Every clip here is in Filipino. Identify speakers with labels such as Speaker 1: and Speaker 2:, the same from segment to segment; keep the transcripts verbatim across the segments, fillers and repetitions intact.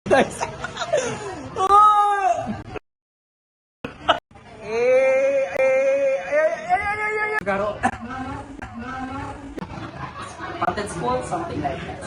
Speaker 1: Nice. Oh! Eh, eh, ay, ay, ay, ay, ay, ay. Garo.
Speaker 2: Haunted school, something like that.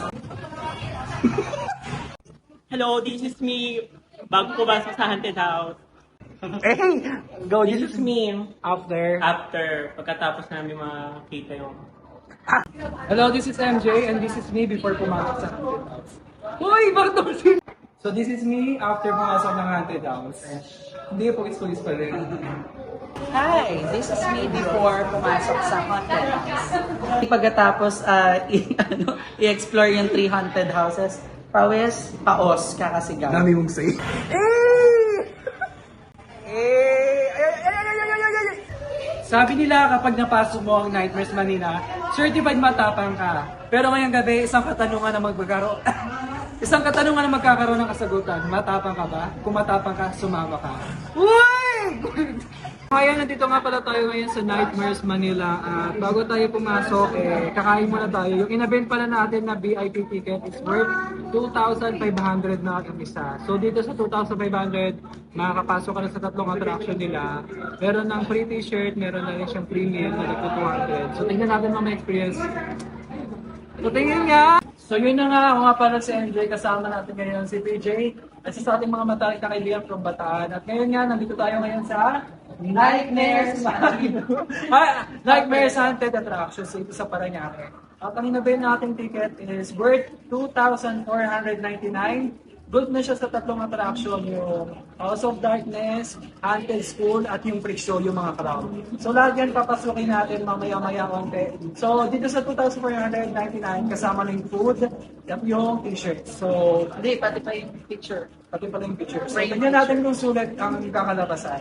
Speaker 3: Hello, this is me. Bago ko pasok sa haunted house.
Speaker 1: Hey, go.
Speaker 3: This is me.
Speaker 1: After.
Speaker 3: After, pagkatapos namin makita yung...
Speaker 4: Hello, this is M J and this is me before pumasok sa haunted house. Hoy, bakit? So this is me after pumasok ng haunted house. Hindi, pugis-pugis pa rin.
Speaker 2: Hi, this is me before pumasok sa haunted house. Pagkatapos uh, i- ano, i-explore yung three haunted houses, pawis, paos, kakasigaw.
Speaker 1: Dami mong say. Eh! Eh! Ay, ay, ay, ay, ay, ay, ay.
Speaker 4: Sabi nila kapag napasok mo ang Nightmares Manila, certified matapang ka. Pero ngayong gabi, isang katanungan na magbagaro. Isang katanungan na magkakaroon ng kasagutan. Matapang ka ba? Kung matapang ka, sumama ka. Uy! Ngayon, nandito nga pala tayo ngayon sa Nightmares Manila. At bago tayo pumasok, eh, kakain muna tayo. Yung in-event pala natin na V I P ticket is worth two thousand five hundred na ang isa. So dito sa two thousand five hundred, makakapasok ka na sa tatlong attraction nila. Meron ng free t-shirt, meron na rin siyang free meal na nagpo two hundred. So tingnan natin mga experience. So tingin nga! So yun na nga, ako nga pala si M J, kasama natin ngayon si P J at sa ating mga matarik na kaibigan from Bataan. At ngayon nga, nandito tayo ngayon sa Nightmares ah, Nightmares Haunted Attractions ito sa Parañaque. At ang inabay nating ticket is worth two thousand four hundred ninety-nine. Good na siya sa tatlong attraction, yung House of Darkness, Haunted School, at yung Freak Show, yung mga crowd. So lahat yan papasukin natin mamaya-maya konti. So dito sa two thousand four hundred ninety-nine, kasama na yung food at yung t-shirt. So,
Speaker 2: Hindi, pati pa yung picture.
Speaker 4: pati pala yung picture. So tignan natin kung sulit ang kakalabasan.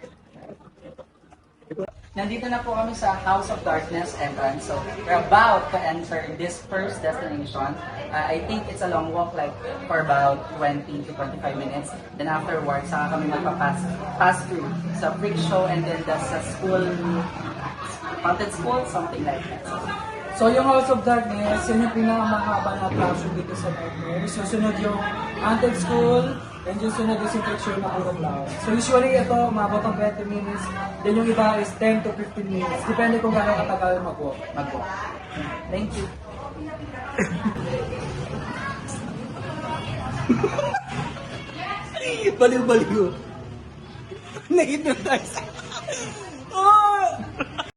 Speaker 2: Nandito na po kami sa House of Darkness entrance. So, we're about to enter this first destination. Uh, I think it's a long walk, like for about twenty to twenty-five minutes. Then afterwards, saka kami magpa-pass pass through sa freak show and then the, sa school, haunted school, something like that.
Speaker 4: So yung House of Darkness, yun yung pinakamahaba na attraction dito sa Nightmares. Susunod yung Haunted School, and yung sunod is yung picture na puro clown. So usually ito, umabot ng twenty minutes, then yung iba is ten to fifteen minutes. Depende kung gano'ng katagal mag-walk.
Speaker 2: Mag-walk. Thank you.
Speaker 1: Baliw-baliw. Nahit na tayo sa...